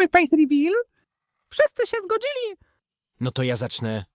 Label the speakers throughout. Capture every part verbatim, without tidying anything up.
Speaker 1: Zróbmy face reveal. Wszyscy się zgodzili.
Speaker 2: No to ja zacznę.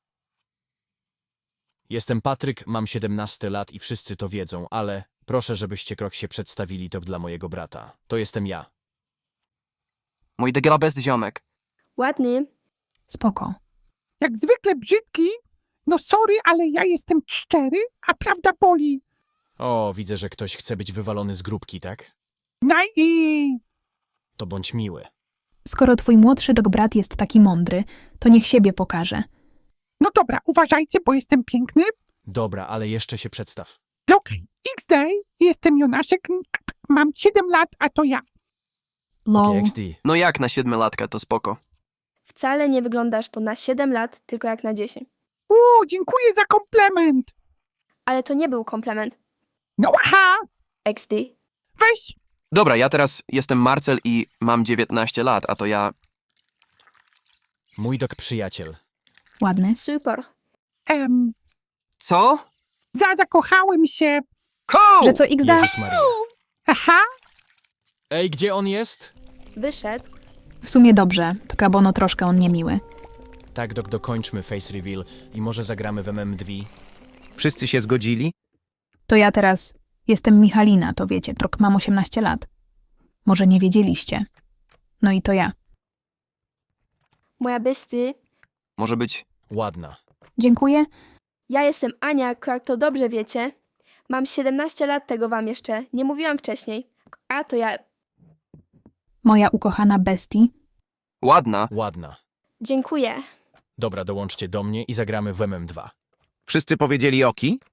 Speaker 2: Jestem Patryk, mam siedemnaście lat i wszyscy to wiedzą, ale proszę, żebyście krok się przedstawili to dla mojego brata. To jestem ja.
Speaker 3: Mój degrabest ziomek.
Speaker 4: Ładny.
Speaker 5: Spoko.
Speaker 1: Jak zwykle brzydki. No sorry, ale ja jestem szczery, a prawda boli.
Speaker 2: O, widzę, że ktoś chce być wywalony z grupki, tak?
Speaker 1: No i...
Speaker 2: To bądź miły.
Speaker 5: Skoro twój młodszy dog brat jest taki mądry, to niech siebie pokaże.
Speaker 1: No dobra, uważajcie, bo jestem piękny.
Speaker 2: Dobra, ale jeszcze się przedstaw.
Speaker 1: Okej, X-Day, jestem Jonaszek, mam siedem lat, a to ja.
Speaker 5: Lol.
Speaker 2: Okay, X D.
Speaker 3: No jak na siedmiolatka, to spoko.
Speaker 4: Wcale nie wyglądasz to na siedem lat, tylko jak na dziesięć.
Speaker 1: O, dziękuję za komplement.
Speaker 4: Ale to nie był komplement.
Speaker 1: No aha,
Speaker 4: X D.
Speaker 1: weź.
Speaker 3: Dobra, ja teraz jestem Marcel i mam dziewiętnaście lat, a to ja...
Speaker 2: Mój dok przyjaciel.
Speaker 5: Ładny.
Speaker 4: Super.
Speaker 1: Em,
Speaker 3: Co?
Speaker 1: za, zakochałem się.
Speaker 3: Cool!
Speaker 5: Że co X da?
Speaker 2: Jezus Maria.
Speaker 1: Aha,
Speaker 2: Ej, gdzie on jest?
Speaker 4: Wyszedł.
Speaker 5: W sumie dobrze, tylko bono troszkę on niemiły.
Speaker 2: Tak, dok, dokończmy face reveal i może zagramy w M M dwa.
Speaker 6: Wszyscy się zgodzili?
Speaker 5: To ja teraz jestem Michalina, to wiecie, trok mam osiemnaście lat. Może nie wiedzieliście. No i to ja.
Speaker 4: Moja besty.
Speaker 3: Może być...
Speaker 2: Ładna.
Speaker 5: Dziękuję.
Speaker 4: Ja jestem Ania, jak to dobrze wiecie. Mam siedemnaście lat, tego wam jeszcze nie mówiłam wcześniej. A to ja.
Speaker 5: Moja ukochana bestii.
Speaker 3: Ładna.
Speaker 2: Ładna.
Speaker 4: Dziękuję.
Speaker 2: Dobra, dołączcie do mnie i zagramy w M M dwa.
Speaker 6: Wszyscy powiedzieli oki?